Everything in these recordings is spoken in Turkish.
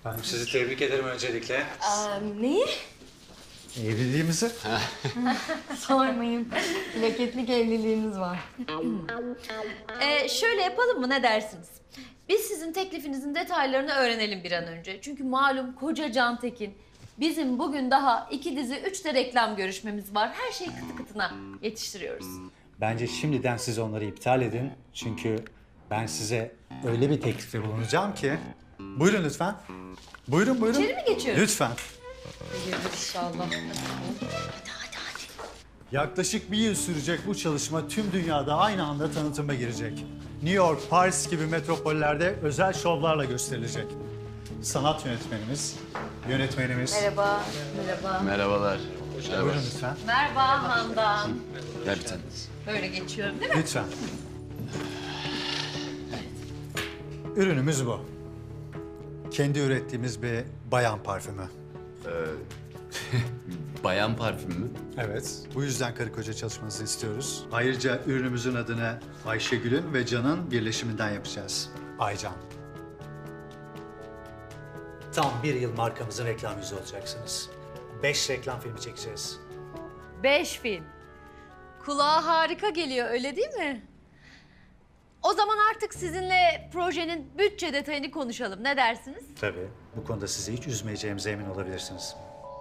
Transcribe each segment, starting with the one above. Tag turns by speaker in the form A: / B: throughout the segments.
A: Ben sizi tebrik ederim öncelikle.
B: Neyi?
A: Evliliğimizi.
B: Sormayın. Plaketlik evliliğimiz var.
C: Şöyle yapalım mı, ne dersiniz? Biz sizin teklifinizin detaylarını öğrenelim bir an önce. Çünkü malum koca Can Tekin. Bizim bugün daha 2 dizi 3 de reklam görüşmemiz var. Her şeyi kıtı kıtına yetiştiriyoruz.
A: Bence şimdiden siz onları iptal edin. Çünkü ben size öyle bir teklifte bulunacağım ki. Buyurun lütfen. Buyurun buyurun.
C: İçeri mi geçiyoruz?
A: Lütfen.
B: Hayırdır inşallah.
A: Yaklaşık bir yıl sürecek bu çalışma tüm dünyada aynı anda tanıtıma girecek. New York, Paris gibi metropollerde özel şovlarla gösterilecek. Sanat yönetmenimiz.
B: Merhaba. Merhaba.
D: Merhabalar.
A: Buyurun lütfen.
C: Merhaba Handan.
D: Gel bir tane.
C: Böyle geçiyorum değil mi?
A: Lütfen. Ürünümüz bu. Kendi ürettiğimiz bir bayan parfümü.
D: Bayan parfümü mü?
A: Evet, bu yüzden karı koca çalışmanızı istiyoruz. Ayrıca ürünümüzün adını Ayşegül'ün ve Can'ın birleşiminden yapacağız. Aycan. Tam bir yıl markamızın reklam yüzü olacaksınız. 5 reklam filmi çekeceğiz.
C: 5 film. Kulağa harika geliyor, öyle değil mi? O zaman artık sizinle projenin bütçe detayını konuşalım. Ne dersiniz?
A: Tabii. Bu konuda sizi hiç üzmeyeceğimize emin olabilirsiniz.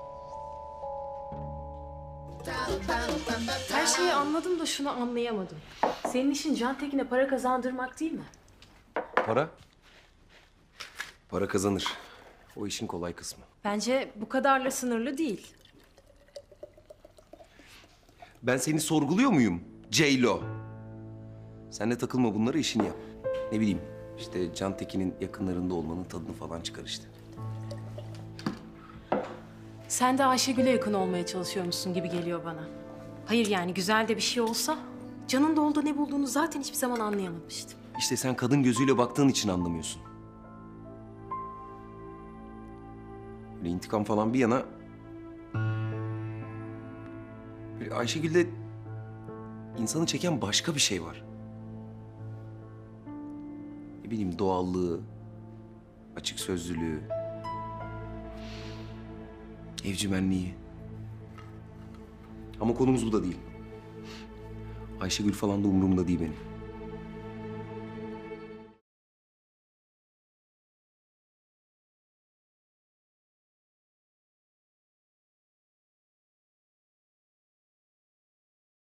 E: Her şeyi anladım da şunu anlayamadım. Senin işin Can Tekin'e para kazandırmak değil mi?
F: Para? Para kazanır. O işin kolay kısmı.
E: Bence bu kadarla sınırlı değil.
F: Ben seni sorguluyor muyum? Ceylo. Sen de takılma bunlara, işini yap. Ne bileyim, işte Can Tekin'in yakınlarında olmanın tadını falan çıkar işte.
E: Sen de Ayşegül'e yakın olmaya çalışıyormuşsun gibi geliyor bana. Hayır yani güzel de bir şey olsa... Can'ın da orada ne bulduğunu zaten hiçbir zaman anlayamamıştım.
F: İşte sen kadın gözüyle baktığın için anlamıyorsun. Böyle intikam falan bir yana... Böyle Ayşegül'de insanı çeken başka bir şey var. Ne bileyim, doğallığı, açık sözlülüğü, evcimenliği. Ama konumuz bu da değil. Ayşegül falan da umurumda değil benim.